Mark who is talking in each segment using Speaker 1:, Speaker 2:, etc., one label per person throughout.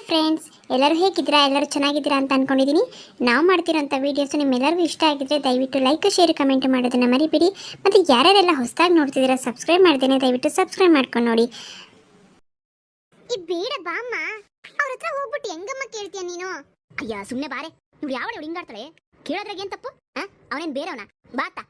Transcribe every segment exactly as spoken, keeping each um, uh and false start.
Speaker 1: Friends, ಎಲ್ಲರೂ ಹೇಗಿದ್ದೀರಾ? ಎಲ್ಲರೂ ಚೆನ್ನಾಗಿದ್ದೀರಾ ಅಂತ ಅಂದ್ಕೊಂಡಿದ್ದೀನಿ. ನಾವು ಮಾಡ್ತಿರೋಂಥ ವೀಡಿಯೋಸ್ ನಿಮ್ಮೆಲ್ಲರಿಗೂ ಇಷ್ಟ ಆಗಿದ್ರೆ ದಯವಿಟ್ಟು ಲೈಕ್ ಶೇರ್ ಕಮೆಂಟ್ ಮಾಡೋದನ್ನು ಮರಿಬೇಡಿ. ಮತ್ತು ಯಾರ್ಯಾರೆಲ್ಲ ಹೊಸದಾಗಿ ನೋಡ್ತಿದ್ದೀರಾ ಸಬ್ಸ್ಕ್ರೈಬ್ ಮಾಡ್ದೇನೆ ದಯವಿಟ್ಟು ಸಬ್ಸ್ಕ್ರೈಬ್ ಮಾಡ್ಕೊಂಡು ನೋಡಿ. ಈ ಬೇಡ ಬಾಮ್ಮ, ಅವ್ರ ಹತ್ರ ಹೋಗ್ಬಿಟ್ಟು ಹೆಂಗಮ್ಮ ಕೇಳ್ತೀಯ ನೀನು?
Speaker 2: ಅಯ್ಯ ಸುಮ್ಮನೆ ಬಾರೆ. ಇವ್ರು ಯಾವ ಹಿಂಗಾಡ್ತಾಳೆ? ಕೇಳೋದ್ರಾಗ ಏನ್ ತಪ್ಪು? ಅವನೇನ್ ಬೇರೆವನ? ಬಾತ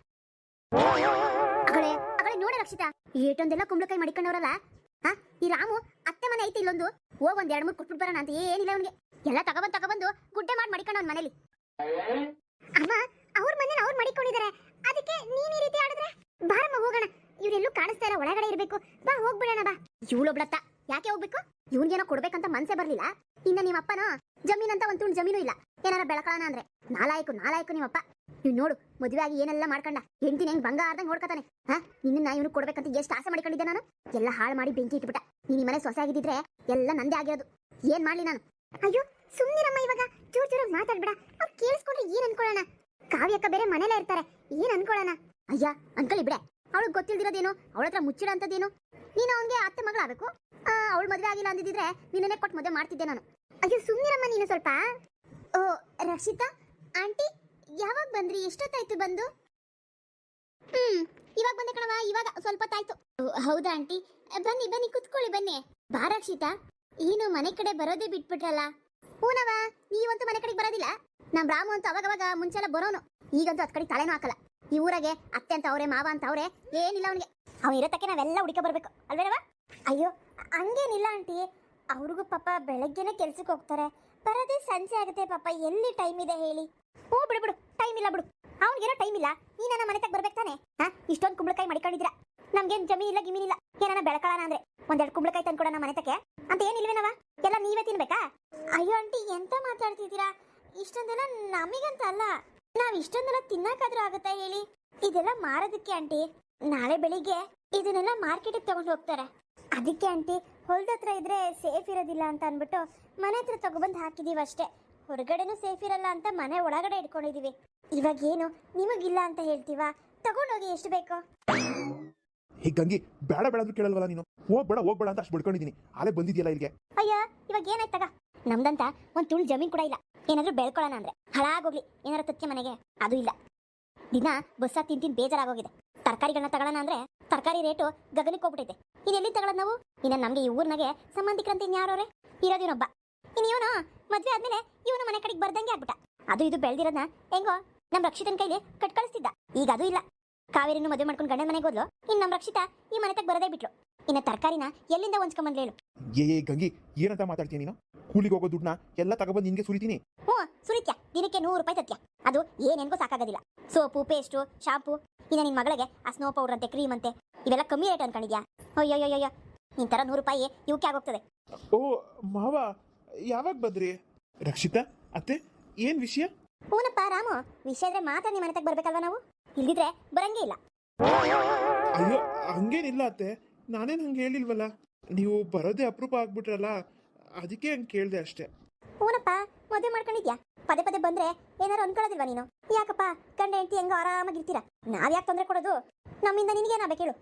Speaker 2: ಅಗಳೇ ಅಗಳೇ ನೋಡ ರಕ್ಷಿತಾ, ಏಟೊಂದೆಲ್ಲ ಕುಂಬಳಕಾಯಿ ಮಡಿಕೊಂಡವ್ರಲ್ಲ. ಹಾ, ಈ ರಾಮು ಅತ್ತೆ ಮನೆ ಐತಿ ಇಲ್ಲೊಂದು, ಹೋಗ್ ಒಂದ್ ಎರಡ್ ಮೂರ್ ಕುಟ್ಬಿಟ್ಟು ಬರೋಣ ಅಂತ ಏನಿಲ್ಲ ಅವನಿಗೆ. ಎಲ್ಲ ತಗೊಬಂದ್ ತಗೊಬಂದು ಗುಡ್ಡೆ ಮಾಡಿ ಮಡಿಕೊಂಡ ಅವ್ನ ಮನೇಲಿ.
Speaker 1: ಅಮ್ಮ, ಅವ್ರ ಮನೇಲಿ ಅವ್ರು ಮಡಿಕೊಂಡಿದ್ದಾರೆ, ಅದಕ್ಕೆ ನೀನ್ ಈ ರೀತಿ ಆಡಿದ್ರೆ? ಬಾರಮ್ಮ ಹೋಗೋಣ, ಇವ್ರೆಲ್ಲೂ ಕಾಣಿಸ್ತಾ ಇಲ್ಲ, ಒಳಗಡೆ ಇರ್ಬೇಕು. ಬಾ ಹೋಗ್ಬಿಡೋಣ ಬಾ.
Speaker 2: ಇವಳೊಬ್ಳತ್ತ ಯಾಕೆ ಹೋಗ್ಬೇಕು? ಇವ್ನಿಗೇನೋ ಕೊಡ್ಬೇಕಂತ ಮನ್ಸೇ ಬರ್ಲಿಲ್ಲ. ಇನ್ನ ನಿಮ್ಮಪ್ಪನ ಜಮೀನ್ ಅಂತ ಒಂದ್ ತುಂಡು ಜಮೀನು ಇಲ್ಲ, ಏನಾರ ಬೆಳಕಳಣ ಅಂದ್ರೆ. ನಾಲಾಯಕು ನಾಲಾಯಕು ನಿಮ್ಮಪ್ಪ. ನೀವ್ ನೋಡು, ಮದುವೆ ಆಗಿ ಏನೆಲ್ಲ ಮಾಡ್ಕೊಂಡ, ಹೆಂಡತಿನ ಹೆಂಗ್ ಬಂಗಾರದಂಗ್ ನೋಡ್ಕತಾನೆ. ಹಾ, ನಿನ್ನ ಇವ್ನು ಕೊಡ್ಬೇಕಂತ ಎಷ್ಟು ಆಸೆ ಮಾಡಿಕೊಂಡಿದ್ದೆ ನಾನು. ಎಲ್ಲ ಹಾಳು ಮಾಡಿ ಬೆಂಕಿ ಇಟ್ಬಿಟ್ಟ. ನೀನ್ ಈ ಮನೆ ಸೊಸೆ ಆಗಿದ್ದಿದ್ರೆ ಎಲ್ಲ ನಂದೇ ಆಗಿರೋದು. ಏನ್ ಮಾಡ್ಲಿ ನಾನು?
Speaker 1: ಅಯ್ಯೋ ಸುಮ್ನಿರಮ್ಮ, ಇವಾಗ ಜೋರ್ ಜೋರಾಗಿ ಮಾತಾಡ್ಬೇಡ. ಅವ್ರು ಕೇಳಿಸ್ಕೊಂಡ್ರೆ ಏನ್ ಅನ್ಕೊಳ್ಳೋಣ? ಕಾವ್ಯಕ್ಕ ಬೇರೆ ಮನೇಲೇ ಇರ್ತಾರೆ, ಏನ್ ಅನ್ಕೊಳ್ಳೋಣ?
Speaker 2: ಅಯ್ಯ ಅಂಕಲ್ ಬಿಡೆ, ಅವಳಿಗೆ ಗೊತ್ತಿಲ್ದಿರೋದೇನು, ಅವಳ ಹತ್ರ ಮುಚ್ಚಿಡ ಅಂತದೇನು. ನೀನು ಅವನಿಗೆ ಅತ್ತೆ ಮಗಳಾಗಬೇಕು. ಅವಳು ಮದುವೆ ಆಗಿಲ್ಲ ಅಂದಿದ್ರೆ ನಿನ್ನೇ ಕೊಟ್ಟು ಮದುವೆ ಮಾಡ್ತಿದ್ದೆ ನಾನು.
Speaker 1: ಅಯ್ಯೋ ಸುಮ್ನಿರಮ್ಮ ನೀನು ಸ್ವಲ್ಪ.
Speaker 2: ಓ ರಕ್ಷಿತಾ ಆಂಟಿ, ಯಾವಾಗ ಬಂದ್ರಿ? ಎಷ್ಟೊತ್ತಾಯ್ತು ಬಂದು? ಹ್ಮ್ ಇವಾಗ ಬಂದೆ ಕಣವ, ಇವಾಗ ಸ್ವಲ್ಪ ಹೊತ್ತಾಯ್ತು. ಹೌದಾ ಆಂಟಿ, ಬನ್ನಿ ಬನ್ನಿ ಕುತ್ಕೊಳ್ಳಿ ಬನ್ನಿ. ಬಾ ರಕ್ಷಿತಾ, ಏನು ಮನೆ ಕಡೆ ಬರೋದೇ ಬಿಟ್ಬಿಟ್ರಲ್ಲ? ಹೂನವ, ನೀವಂತೂ ಮನೆ ಕಡೆಗೆ ಬರೋದಿಲ್ಲ. ನಮ್ ರಾಮು ಅಂತೂ ಅವಾಗವಾಗ ಮುಂಚೆಲ್ಲ ಬರೋನು, ಈಗಂತೂ ಅದ್ ಕಡೆ ತಲೆನೂ ಹಾಕಲ್ಲ. ಈ ಊರಾಗೆ ಅತ್ತೆ ಅಂತ ಅವ್ರೆ, ಮಾವ ಅಂತ ಅವ್ರೆ, ಏನಿಲ್ಲ ಅವನಿಗೆ. ಅವ್ನು ಇರೋತಕ್ಕೆ ನಾವೆಲ್ಲ ಹುಡುಕ ಬರ್ಬೇಕು ಅಲ್ವೇನವ?
Speaker 1: ಅಯ್ಯೋ ಹಂಗೇನಿಲ್ಲ ಆಂಟಿ, ಅವ್ರಿಗೂ ಪಾಪ ಬೆಳಗ್ಗೆನೆ ಕೆಲ್ಸಕ್ಕೆ ಹೋಗ್ತಾರೆ, ಬರೋದೇ ಸಂಜೆ ಆಗುತ್ತೆ ಪಾಪ, ಎಲ್ಲಿ ಟೈಮ್ ಇದೆ ಹೇಳಿ?
Speaker 2: ಹ್ಞೂ ಬಿಡು ಬಿಡು, ಟೈಮ್ ಇಲ್ಲ ಬಿಡು. ಅವ್ನಿಗೇನೋ ಟೈಮ್ ಇಲ್ಲ, ನೀನ ನಮ್ಮ ಮನೆ ತಗ ಬರ್ಬೇಕು ತಾನೆ? ಹಾ, ಇಷ್ಟೊಂದು ಕುಂಬಳಕಾಯಿ ಮಡಿಕೊಂಡಿದ್ರ, ನಮ್ಗೇನು ಜಮೀನ್ ಇಲ್ಲ ಗಿಮೀನಿಲ್ಲ. ಏನಾನ ಬೆಳಕಳಣ ಅಂದ್ರೆ ಒಂದೆರಡು ಕುಂಬಳಕಾಯಿ ತಂದ್ಕೊಡ ನಮ್ಮ ಮನೆ ತಕ್ಕೆ ಅಂತ ಏನಿಲ್ವೇನವ? ಎಲ್ಲ ನೀವೇ ತಿನ್ಬೇಕಾ?
Speaker 1: ಅಯ್ಯೋ ಆಂಟಿ, ಎಂತ ಮಾತಾಡ್ತಿದ್ದೀರಾ? ಇಷ್ಟೊಂದೆಲ್ಲ ನಮಗಂತ ಅಲ್ಲ, ನಾವ್ ಇಷ್ಟೊಂದೆಲ್ಲ ತಿನ್ನಕಾದ್ರೂ ಆಗುತ್ತಾ ಹೇಳಿ? ಇದೆಲ್ಲ ಮಾರೋದಕ್ಕೆ ಆಂಟಿ. ನಾಳೆ ಬೆಳಿಗ್ಗೆ ಇದನ್ನೆಲ್ಲ ಮಾರ್ಕೆಟಿಗೆ ತಗೊಂಡು ಹೋಗ್ತಾರೆ, ಅದಕ್ಕೆ ಆಂಟಿ ಹೊಲ್ದ ಹತ್ರ ಇದ್ರೆ ಸೇಫ್ ಇರೋದಿಲ್ಲ ಅಂತ ಅನ್ಬಿಟ್ಟು ಮನೆ ಹತ್ರ ತಗೊಬಂದು ಹಾಕಿದೀವಿ ಅಷ್ಟೇ. ಹೊರಗಡೆನೂ ಸೇಫ್ ಇರಲ್ಲ ಅಂತ ಮನೆ ಒಳಗಡೆ ಇಟ್ಕೊಂಡಿದೀವಿ. ಇವಾಗ ಏನು ನಿಮಗಿಲ್ಲ ಅಂತ ಹೇಳ್ತೀವಾ? ತಗೊಂಡೋಗಿ ಎಷ್ಟು ಬೇಕೋ.
Speaker 3: ಹೇ ಗಂಗಿ, ಬೇಡ ಬೇಡ ಅಂದ್ರೂ ಕೇಳಲ್ವಲ್ಲ ನೀನು? ಹೋಗ್ಬೇಡ ಹೋಗ್ಬೇಡ ಅಂತ ಅಷ್ಟು ಬಿಡ್ಕೊಂಡಿದ್ದೀನಿ, ಆಲೇ ಬಂದಿದ್ಯಲ್ಲ ಇಲ್ಲಿಗೆ.
Speaker 2: ಅಯ್ಯ ಇವಾಗ ಏನಾಯ್ತಗ? ನಮ್ದಂತ ಒಂದ್ ತುಳು ಜಮೀನ್ ಕೂಡ ಇಲ್ಲ, ಏನಾದ್ರೂ ಬೆಳ್ಕೊಳ್ಳೋಣ ಅಂದ್ರೆ. ಹಾಳಾಗೋಗ್ಲಿ ಏನಾರ ತಕ್ಕೆ ಮನೆಗೆ, ಅದು ಇಲ್ಲ. ದಿನ ಬಸ್ಸಾಗ ತಿಂತೀನಿ ಬೇಜಾರಾಗೋಗಿದೆ. ತರಕಾರಿಗಳನ್ನ ತಗೊಳ್ಳೋಣ ಅಂದ್ರೆ ತರಕಾರಿ ರೇಟು ಗಗನಕ್ಕೆ ಹೋಗ್ಬಿಟ್ಟೈತೆ. ಇನ್ನೆಲ್ಲಿ ತಗೊಳ್ಳೋದು ನಾವು? ಇನ್ನ ನಮ್ಗೆ ಈ ಊರ್ನಾಗೆ ಸಂಬಂಧಿಕರಂತ ಇನ್ಯಾರೋರೆ ಇರೋದಿನೊಬ್ಬ. ಇನ್ನು ಇವನು ಮದ್ವೆ ಆದ್ಮೇಲೆ ಇವನು ಮನೆ ಕಡೆಗೆ ಬರ್ದಂಗೆ ಆಗ್ಬಿಟ್ಟ. ಅದು ಇದು ಬೆಳೆದಿರೋದನ್ನ ಹೆಂಗೋ ನಮ್ ರಕ್ಷಿತನ ಕೈಲಿ ಕಟ್ ಕಳಿಸ್ತಿದ್ದ, ಈಗ ಅದು ಇಲ್ಲ. ಕಾವೇರಿನೂ ಮದುವೆ ಮಾಡ್ಕೊಂಡು ಗಂಡನ ಮನೆಗೆ ಹೋದ್ಲು, ಇನ್ನು ನಮ್ ರಕ್ಷಿತಾ ಈ ಮನೆ ತಗ ಬರದೇ ಬಿಟ್ಲು. ಇನ್ನ ತರಕಾರಿನ ಎಲ್ಲಿಂದ ಹೊಂಚ್ಕೊಂಬಂದ್ಲು ಹೇಳು?
Speaker 3: ಏ ಏ ಗಂಗಿ, ಏನಂತ ಮಾತಾಡ್ತೀನಿ ನೀನು? ಕೂಲಿಗೆ ಹೋಗೋ ದುಡ್ಡನ್ನ ಎಲ್ಲ ತಗೊಬಂದು ನಿನ್ಗೆ ಸುರಿತೀನಿ.
Speaker 2: ಹ್ಞೂ ಸುರಿತ್ಯ, ದಿನಕ್ಕೆ ನೂರು ರೂಪಾಯಿ ತತ್ಯ. ಅದು ಏನೇನ್ಗೂ ಸಾಕಾಗೋದಿಲ್ಲ. ಸೋಪು, ಪೇಸ್ಟು, ಶಾಂಪು, ಇನ್ನ ನಿನ್ ಮಗಳಿಗೆ ಆ ಸ್ನೋ ಪೌಡರ್ ಅಂತೆ, ಕ್ರೀಮ್ ಅಂತೆ, ಇವೆಲ್ಲ ಕಮ್ಮಿ ರೇಟ್ ಅನ್ಕೊಂಡಿದ್ಯಾ? ಅಯ್ಯೋಯ್ಯೋಯ್ಯೋ, ನಿನ್ ತರ ನೂರು ರೂಪಾಯಿ ಇವಕ್ಕೆ ಆಗೋಗ್ತದೆ.
Speaker 3: ಓ ಮಾವ, ಯಾವಾಗ ಬಂದ್ರಿ? ರಕ್ಷಿತಾ ಅತ್ತೆ, ಏನ್ ವಿಷಯ?
Speaker 2: ಹೂನಪ್ಪ ರಾಮು, ವಿಷಯ ಇದ್ರೆ ಮಾತ್ರ ನಿಮ್ಮ ಮನೆ ತಗ ಬರ್ಬೇಕಲ್ವ ನಾವು? ಇಲ್ದಿದ್ರೆ ಬರಂಗೇ ಇಲ್ಲ.
Speaker 3: ಅಯ್ಯೋ ಹಂಗೇನಿಲ್ಲ ಅತ್ತೆ, ನಾನೇನು ಹಂಗೆ ಹೇಳಿಲ್ವಲ್ಲ. ನೀವು ಬರೋದೇ ಅಪರೂಪ ಆಗ್ಬಿಟ್ರಲ್ಲ, ಅದಕ್ಕೆ ಹಂಗೆ ಕೇಳಿದೆ ಅಷ್ಟೇ.
Speaker 2: ಹೂನಪ್ಪ, ಮದುವೆ ಮಾಡ್ಕೊಂಡಿದ್ಯಾ? ಪದೇ ಪದೇ ಬಂದ್ರೆ ಏನಾರು ಅನ್ಕೊಳ್ಳೋದಿಲ್ವಾ ನೀನು? ಯಾಕಪ್ಪ ಗಂಡ ಹೆಂಡತಿ ಹೆಂಗ ಆರಾಮಾಗಿರ್ತೀರಾ, ನಾವ್ ಯಾಕೆ ತೊಂದರೆ ಕೊಡೋದು? ನಮ್ಮಿಂದ ನಿನಗೇನಾಗಬೇಕು ಹೇಳು?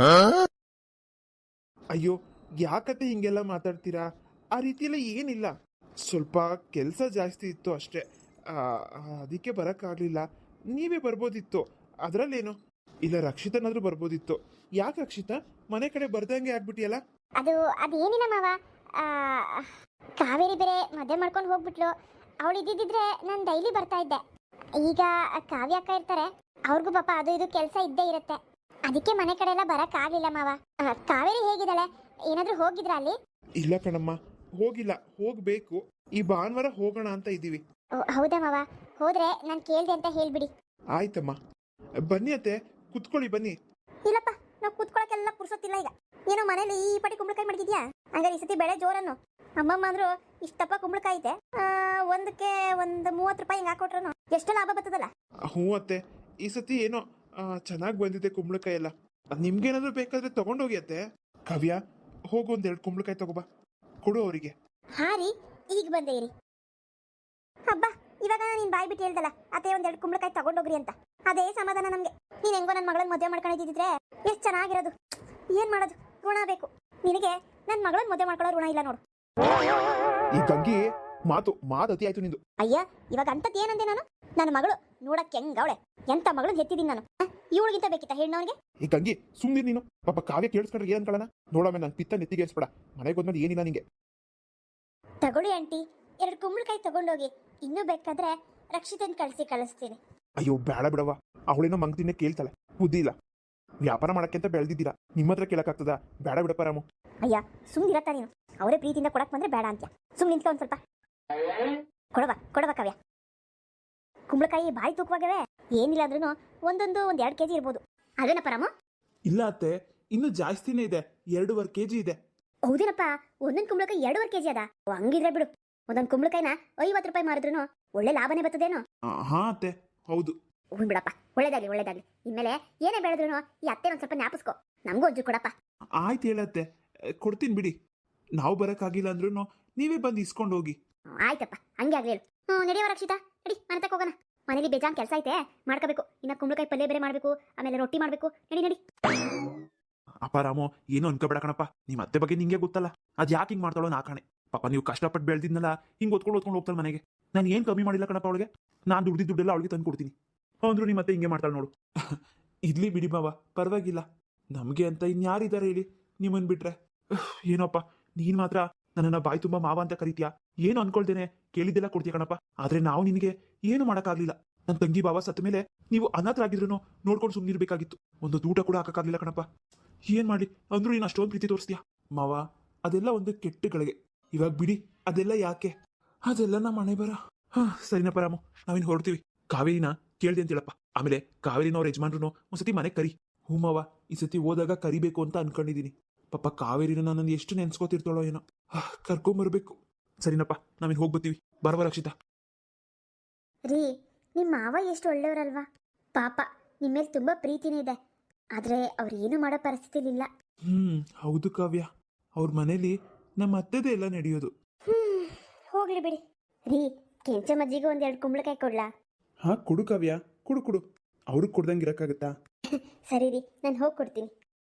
Speaker 3: ಅಯ್ಯೋ ಯಾಕತ್ತೆ ಹಿಂಗೆಲ್ಲ ಮಾತಾಡ್ತೀರಾ? ಆ ರೀತಿಯೆಲ್ಲ ಏನಿಲ್ಲ, ಸ್ವಲ್ಪ ಕೆಲಸ ಜಾಸ್ತಿ ಇತ್ತು ಅಷ್ಟೇ, ಅದಕ್ಕೆ ಬರೋಕ್ಕಾಗಲಿಲ್ಲ. ನೀವೇ ಬರ್ಬೋದಿತ್ತು, ಅದರಲ್ಲೇನು? ಇಲ್ಲ ರಕ್ಷಿತನಾದ್ರೂ ಬರ್ಬೋದಿತ್ತು. ಯಾಕೆ ರಕ್ಷಿತಾ ಮನೆ ಕಡೆ ಬರ್ದಂಗೆ ಆಗ್ಬಿಟ್ಟಿಯಲ್ಲ?
Speaker 1: ಅದು ಅದೇನಿಲ್ಲ ಮಾವ, ಕಾವೇರಿ ಬೇರೆ ಮದುವೆ ಮಾಡ್ಕೊಂಡು ಹೋಗ್ಬಿಟ್ಲು. ಅವಳು ಇದ್ದಿದ್ರೆ ನಾನು ಡೈಲಿ ಬರ್ತಾ ಇದ್ದೆ. ಈಗ ಕಾವ್ಯ ಅಕ್ಕ ಇರ್ತಾರೆ, ಅವ್ರಿಗೂ ಪಾಪ ಅದು ಇದು ಕೆಲಸ ಇದ್ದೇ ಇರುತ್ತೆ, ಅದಕ್ಕೆ ಮನೆ ಕಡೆ ಎಲ್ಲ ಬರಕ್ ಆಗ್ಲಿಲ್ಲ ಮಾವ. ಕಾವೇರಿ ಹೇಗಿದ್ದಾಳೆ? ಏನಾದ್ರೂ ಹೋಗಿದ್ರಾ ಅಲ್ಲಿ?
Speaker 3: ಇಲ್ಲ ಕಣಮ್ಮ, ಹೋಗಿಲ್ಲ, ಹೋಗ್ಬೇಕು. ಈ ಭಾನುವಾರ ಹೋಗೋಣ ಅಂತ ಇದ್ದೀವಿ.
Speaker 1: ಹೌದಾ ಮಾವ? ಹೋದ್ರೆ ನಾನು ಕೇಳ್ದೆ ಅಂತ ಹೇಳ್ಬಿಡಿ.
Speaker 3: ಆಯ್ತಮ್ಮ, ಬನ್ನಿ ಅತ್ತೆ, ಕುತ್ಕೊಳ್ಳಿ ಬನ್ನಿ.
Speaker 2: ಇಲ್ಲಪ್ಪ, ನಾವು ಕೂತ್ಕೊಳಕ್ಕೆಲ್ಲ ಪುರ್ಸೊತ್ತಿಲ್ಲ ಈಗ. ಏನೋ ಮನೇಲಿ ಈ ಪಟಿ ಕುಂಬಳಕಾಯಿ ಮಾಡಿದ್ಯಾ? ಹಂಗಾರೆ ಈ ಸತಿ ಬೆಳೆ ಜೋರನ್ನು. ಅಮ್ಮಮ್ಮ ಅಂದ್ರು ಇಷ್ಟಪ್ಪ ಕುಂಬಳಕಾಯಿ ಐತೆ, ಒಂದಕ್ಕೆ ಒಂದು ಮೂವತ್ತು ರೂಪಾಯಿ ಹಿಂಗೆ ಹಾಕೊಟ್ರು ಎಷ್ಟು ಲಾಭ ಬರ್ತದಲ್ಲ?
Speaker 3: ಹ್ಞೂ ಅತ್ತೆ, ಈ ಸತಿ ಏನೋ ಚೆನ್ನಾಗಿ ಬಂದಿದೆ ಕುಂಬಳಕಾಯಿ ಎಲ್ಲ. ನಿಮ್ಗೇನಾದ್ರೂ ಬೇಕಾದ್ರೆ ತಗೊಂಡೋಗಿ ಅತ್ತೆ. ಕಾವ್ಯ, ಹೋಗು ಒಂದೆರಡು ಕುಂಬಳಕಾಯಿ ತಗೋಬಾ, ಕೊಡು ಅವರಿಗೆ.
Speaker 2: ಹಾ ರೀ, ಈಗ ಬಂದೆ ಇರಿ. ಹಬ್ಬ, ಇವಾಗ ನೀನ್ ಬಾಯ್ ಬಿಟ್ಟು ಹೇಳ್ದಲ್ಲ ಅದೇ ಒಂದೆರಡು ಕುಂಬಳಕಾಯಿ ತಗೊಂಡೋಗ್ರಿ ಅಂತ, ಅದೇ ಸಮಾಧಾನ ನಮ್ಗೆ. ನೀನ್ ಹೆಂಗೋ ನನ್ನ ಮಗಳನ್ನ ಮದುವೆ ಮಾಡ್ಕೊಂಡಿದ್ದಿದ್ರೆ ಎಷ್ಟು ಚೆನ್ನಾಗಿರೋದು. ಏನ್ ಮಾಡೋದು, ಋಣ ಬೇಕು ನಿನಗೆ. ನನ್ನ ಮಗಳನ್ನ ಮದುವೆ ಮಾಡ್ಕೊಳ್ಳೋ ಋಣ ಇಲ್ಲ ನೋಡು.
Speaker 3: ಈ ಗಂಗಿ ಮಾತು ಮಾತು ಅತಿ ಆಯ್ತು ನಿಂದು.
Speaker 2: ಅಯ್ಯ ಇವಾಗ ಅಂತದ್ ಏನಂದೆ ನಾನು? ನನ್ನ ಮಗಳು ನೋಡಕ್ಕೆ ಹೆಂಗವಳೆ, ಎಂತ ಮಗಳನ್ನ ಹೆತ್ತಿದ್ದೀನಿ ನಾನು. ಇವಳಿಗಿಂತ ಬೇಕಿತ್ತ ಹೆಣ್ಣವನಿಗೆ?
Speaker 3: ಈ ಗಂಗಿ ಸುಮ್ನಿರ್ ನೀನು. ಪಾಪ ಕಾವ್ಯ ಕೇಳಿಸ್ಕೊಂಡ್ರೆ ಏನ್ ಅನ್ಕೊಳ್ಳೋಣ. ನೋಡಮ್ಮ ನನ್ ಪಿತ್ತ ನೆತ್ತಿಗೆ ಏರ್ಸ್ಬೇಡ. ಮನೆಗೆ ಹೋದ್ಮೇಲೆ ಏನಿಲ್ಲ ನಿಂಗೆ.
Speaker 1: ತಗೊಳ್ಳಿ ಆಂಟಿ, ಎರಡು ಕುಂಬಳಕಾಯಿ ತಗೊಂಡೋಗಿ. ಇನ್ನೂ ಬೇಕಾದ್ರೆ ರಕ್ಷಿತನ್ ಕಳಿಸಿ ಕಳಿಸ್ತೀನಿ.
Speaker 3: ಅಯ್ಯೋ ಬೇಡ ಬಿಡವ, ಅವಳೇನೋ ಮಂಗ್ತಿನೇ ಕೇಳ್ತಾಳೆ, ಬುದ್ಧಿ ಇಲ್ಲ. ವ್ಯಾಪಾರ ಮಾಡಕ್ಕೆ ಅಂತ ಬೆಳೆದಿದ್ದೀರಾ, ನಿಮ್ಮ ಹತ್ರ ಕೇಳಕ್ಕಾಗ್ತದ? ಬೇಡ ಬಿಡಪ್ಪ ರಾಮು.
Speaker 2: ಅಯ್ಯ ಸುಮ್ನಿರತ್ತ ನೀನು. ಅವರೇ ಪ್ರೀತಿಯಿಂದ ಕೊಡಕ್ ಬಂದ್ರೆ ಬೇಡ ಅಂತ್ಯ. ಸುಮ್ ನಿಂತ್ಕೊ ಒಂದ್ ಸ್ವಲ್ಪ. ಕೊಡವ ಕೊಡವ ಕಾವ್ಯ. ಕುಂಬಳಕಾಯಿ ಬಾಯಿ ತೂಕವಾಗವೆ. ಏನಿಲ್ಲ ಅಂದ್ರೂ ಒಂದೊಂದು ಒಂದ್ ಎರಡು ಕೆಜಿ ಇರ್ಬೋದು. ಅದೇನಪ್ಪ ರಾಮ?
Speaker 3: ಇಲ್ಲ ಅತ್ತೆ, ಇನ್ನು ಜಾಸ್ತಿನೇ ಇದೆ. ಎರಡೂವರೆ ಕೆಜಿ ಇದೆ.
Speaker 2: ಹೌದೇನಪ್ಪ, ಒಂದೊಂದ್ ಕುಂಬಳಕಾಯಿ ಎರಡೂವರೆ ಕೆಜಿ ಅದ. ಹಂಗಿದ್ರೆ ಬಿಡು, ಒಂದೊಂದ್ ಕುಂಬಳಕಾಯಿನ ಐವತ್ತು ರೂಪಾಯಿ ಮಾರಿದ್ರು ಒಳ್ಳೆ ಲಾಭನೇ ಬರ್ತದೇನೋ.
Speaker 3: ಹಾ ಅತ್ತೆ, ಹೌದು.
Speaker 2: ಹ್ಞೂ ಬಿಡಪ್ಪ, ಒಳ್ಳೇದಾಗ್ಲಿ ಒಳ್ಳೇದಾಗ್ಲಿ. ಇನ್ಮೇಲೆ ಏನೇ ಬೆಳೆದ್ರು ಈ ಅತ್ತೆ ಒಂದ್ ಸ್ವಲ್ಪ ಜ್ಞಾಪಿಸ್ಕೊ. ನಮಗೂ ಒಂಚೂರು ಕೊಡಪ್ಪ.
Speaker 3: ಆಯ್ತು ಹೇಳತ್ತೆ, ಕೊಡ್ತೀನಿ ಬಿಡಿ. ನಾವು ಬರಕ್ಕಾಗಿಲ್ಲ ಅಂದ್ರೂ ನೀವೇ ಬಂದು ಇಸ್ಕೊಂಡು ಹೋಗಿ.
Speaker 2: ಹ್ಮ್, ಆಯ್ತಪ್ಪ, ಹಂಗೆ ಆಗ್ಲಿ ಹೇಳು. ಹ್ಞೂ ನಡೆಯವ ರಕ್ಷಿತಾ, ನಡಿ ಮನೆ ತಕ ಹೋಗೋಣ. ಮನೇಲಿ ಬೇಜಾನ್ ಕೆಲಸ ಐತೆ, ಮಾಡ್ಕೋಬೇಕು. ಇನ್ನ ಕುಂಬಳಕಾಯಿ ಪಲ್ಯ ಬೇರೆ ಮಾಡ್ಬೇಕು, ಆಮೇಲೆ ರೊಟ್ಟಿ ಮಾಡ್ಬೇಕು. ನಡಿ ನಡಿ.
Speaker 3: ಅಪ್ಪ ರಾಮು, ಏನು ಅನ್ಕೋಬೇಡ ಕಣಪ್ಪ. ನಿಮ್ಮ ಅತ್ತೆ ಬಗ್ಗೆ ನಿಂಗೆ ಗೊತ್ತಲ್ಲ, ಅದ್ ಯಾಕೆ ಹಿಂಗ್ ಮಾಡ್ತಾಳೋ ನಾ ಕಾಣೆ. ಪಾಪ ನೀವು ಕಷ್ಟಪಟ್ಟು ಬೆಳೆದಿದ್ನಲ್ಲ, ಹಿಂಗ್ ಓದ್ಕೊಂಡು ಓದ್ಕೊಂಡು ಹೋಗ್ತಾಳೆ ಮನೆಗೆ. ನಾನು ಏನು ಕಮ್ಮಿ ಮಾಡಿಲ್ಲ ಕಣಪ್ಪ ಅವಳಿಗೆ. ನಾನು ದುಡ್ದಿದ್ದು ದುಡ್ಡೆಲ್ಲ ಅವಳಿಗೆ ತಂದು ಕೊಡ್ತೀನಿ. ಅಂದ್ರು ನಿಮ್ಮ ಮತ್ತೆ ಹಿಂಗೆ ಮಾಡ್ತಾಳೆ ನೋಡು. ಇರ್ಲಿ ಬಿಡಿ ಮಾವ, ಪರವಾಗಿಲ್ಲ. ನಮಗೆ ಅಂತ ಇನ್ಯಾರಿದ್ದಾರೆ ಹೇಳಿ, ನಿಮ್ಮನ್ ಬಿಟ್ರೆ. ಏನೋಪ್ಪ, ನೀನ್ ಮಾತ್ರ ನನ್ನನ್ನ ಬಾಯಿ ತುಂಬಾ ಮಾವ ಅಂತ ಕರಿತೀಯಾ. ಏನು ಅನ್ಕೊಳ್ತೇನೆ ಕೇಳಿದ್ದೆಲ್ಲ ಕೊಡ್ತೀಯ ಕಣಪ್ಪ. ಆದ್ರೆ ನಾವು ನಿನಗೆ ಏನು ಮಾಡೋಕ್ಕಾಗ್ಲಿಲ್ಲ. ನನ್ನ ತಂಗಿ ಬಾವ ಸತ್ತ ಮೇಲೆ ನೀವು ಅನಾಥರಾಗಿದ್ರು ನೋಡ್ಕೊಂಡು ಸುಮ್ಮನಿರ್ಬೇಕಾಗಿತ್ತು. ಒಂದು ಊಟ ಕೂಡ ಹಾಕಕ್ಕಾಗ್ಲಿಲ್ಲ ಕಣಪ್ಪ. ಏನ್ ಮಾಡಿ ಅಂದ್ರೂ ನೀನು ಅಷ್ಟೊಂದು ಪ್ರೀತಿ ತೋರಿಸ್ತೀಯ ಮಾವ. ಅದೆಲ್ಲ ಒಂದು ಕೆಟ್ಟಗಳಿಗೆ. ಇವಾಗ ಬಿಡಿ, ಅದೆಲ್ಲ ಯಾಕೆ, ಅದೆಲ್ಲ ನಮ್ಮ ಮನೆ ಬರ. ಹಾ ಸರಿನಪ್ಪ ರಾಮು, ನಾವಿನ್ ಹೊರಡ್ತೀವಿ. ಕಾವೇರಿನ ಕೇಳ್ದೆ ಅಂತ ಹೇಳಪ್ಪ. ಆಮೇಲೆ ಕಾವೇರಿನ ಅವ್ರ ಯಜಮಾನ್ರು ಒಂದ್ಸತಿ ಮನೆಗೆ ಕರಿ. ಹ್ಞೂ ಮಾವ, ಈ ಸತಿ ಹೋದಾಗ ಕರಿಬೇಕು ಅಂತ ಅನ್ಕೊಂಡಿದೀನಿ. ಪಾಪ ಕಾವೇರಿನ ನಾನು ಎಷ್ಟು ನೆನ್ಸ್ಕೊತಿರ್ತಾಳೋ ಏನೋ. ಕರ್ಕೊಂಬರ್ಬೇಕು. ಸರಿನಪ್ಪ, ನಾವಿನ್ ಹೋಗ್ಬತ್ತೀವಿ. ಬರವ ರಕ್ಷಿತಾ.
Speaker 1: ರೀ, ನಿಮ್ಮ ಮಾವ ಎಷ್ಟು ಒಳ್ಳೆಯವರಲ್ವಾ. ಪಾಪ ನಿಮ್ಮ ಮೇಲೆ ತುಂಬಾ ಪ್ರೀತಿನೇ ಇದೆ. ಆದ್ರೆ ಅವ್ರು ಏನು ಮಾಡೋ ಪರಿಸ್ಥಿತಿಲಿಲ್ಲ.
Speaker 3: ಹ್ಮ್ ಹೌದು ಕಾವ್ಯ, ಅವ್ರ ಮನೇಲಿ ನಮ್ಮ ಅತ್ತೆದೇ ಎಲ್ಲ ನಡೆಯೋದು.
Speaker 1: ಹ್ಮ್ ಹೋಗ್ಲಿ ಬಿಡಿ. ರೀ, ಕೆಂಚಮ್ಮಜ್ಜಿಗೆ ಒಂದೆರಡು ಕುಂಬಳಕಾಯಿ ಕೊಡ್ಲಾ?
Speaker 3: ಹಾ ಕೊಡು ಕಾವ್ಯ, ಕೊಡು ಕೊಡು. ಅವ್ರಿಗೆ ಕೊಡ್ದಂಗೆ ಇರಕ್ಕಾಗತ್ತಾ?
Speaker 1: ಸರಿ ರೀ, ನಾನು ಹೋಗಿ ಕೊಡ್ತೀನಿ.